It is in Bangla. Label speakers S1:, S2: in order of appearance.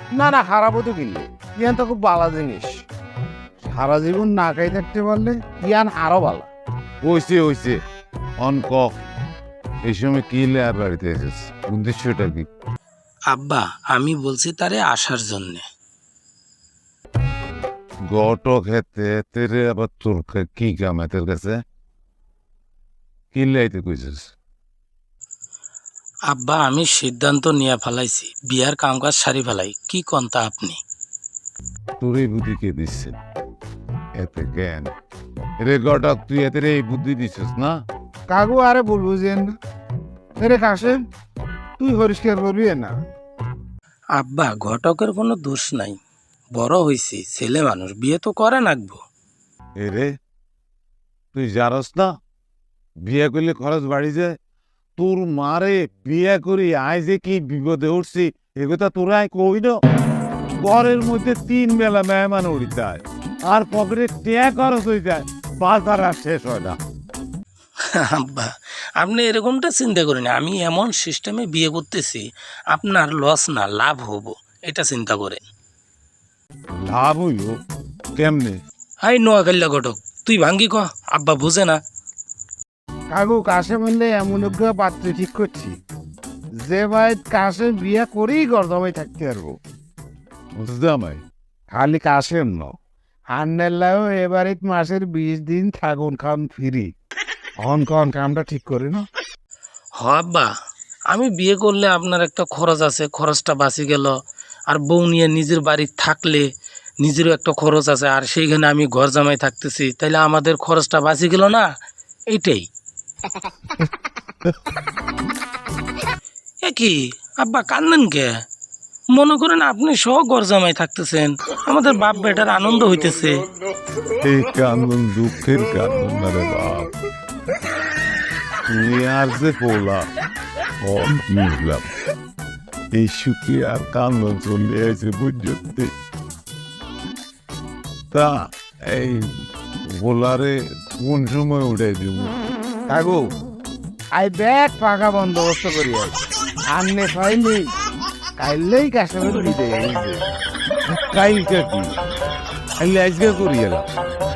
S1: না না, খারাপও তো কিনলে ইয়ান তো খুব ভালো জিনিস। সারা জীবন না খাই থাকতে পারলে ইয়ান আরো ভালো।
S2: হইছে অন কক। এই সময় কি লেয়ার বাড়িতে এসেছে, উদ্দেশ্যটা কি?
S3: আব্বা আমি বলছি তারে আসার জন্যে।
S2: গটো খেতে তেরে আবার তোর কি কাম এদের কাছে? কি লাইতে কইছিস?
S3: আব্বা আমি সিদ্ধান্ত নিয়ে ফেলাইছি, বিয়ার কামকাজ সারি ফেলাই, কি কন্তা আপনি?
S2: তোর এই বুদ্ধি কে দিচ্ছে? এতে জ্ঞান রে গটক, তুই এতে এই বুদ্ধি দিছিস না?
S1: কাকু আরে বলবো যে রে কাশেম, তুই পরিষ্কার করবি না?
S3: আব্বা ঘটকের কোনো দোষ নাই, বড় হইছি, ছেলে মানুষ, বিয়ে তো করে নাকবো।
S2: এরে তুই জানস না বিয়ে করলে খরচ বাড়ি যায়? তোর মারে বিয়ে করি আয় যে কি বিপদে উঠছি এগোটা তোরা কই না? ঘরের মধ্যে 3 বেলা মেহমান উড়ি যায়, আর পকেটে ট্যাগ খরচ হয়ে যায়, বাজার আর শেষ হয় না।
S3: আব্বা আপনি এরকমটা চিন্তা করেন, আমি এমন সিস্টেমে বিয়ে করতেছি আপনার লস না লাভ হব, এটা চিন্তা করেন।
S2: লাভ হইল কেমনে?
S3: হাই নোয়াখাল্লা ঘটক, তুই ভাঙ্গি ক, আব্বা বুঝে না।
S1: কাকু কাশেম হইলে এমন একটা পাত্র ঠিক করছি যে ভাই কাশেম বিয়া করেই গরদমাই থাকতে পারবো।
S2: জামাই
S1: খালি কাশেম ন, হান্নেল্লাও এবারে মাসের 20 দিন থাকুন খাম ফিরি। অন কন কামটা ঠিক করে না?
S3: হ আব্বা, আমি বিয়ে করলে আপনার একটা খরচ আছে, খরচটা বাঁচি গেল, আর বউ নিয়ে নিজের বাড়ি থাকলে নিজেরও একটা খরচ আছে, আর সেইখানে আমি ঘর জামাই থাকতেছি, তাইলে আমাদের খরচটা বাঁচি গেল না? এইটাই। এ কি আব্বা কান্দেন কে? মনে করেন আপনি সহ ঘর জামাই থাকতেছেন, আমাদের বাপ বেটার আনন্দ হইতেছে।
S2: এই কান্দন দুঃখের কান্দন না রে বাপ। তুই আর যে পোলা বুঝলাম, এই সুখী আর কান্দন চলে আছে বুঝতে। তা এই পোলারে কোন সময় উঠে দিব?
S1: কাকু আই ব্যাগ পাকা বন্দোবস্ত করি আননে পাইনি কাইলেই কাশেমের বিদে।
S2: কাইলকা কি আজকে করি এলাম।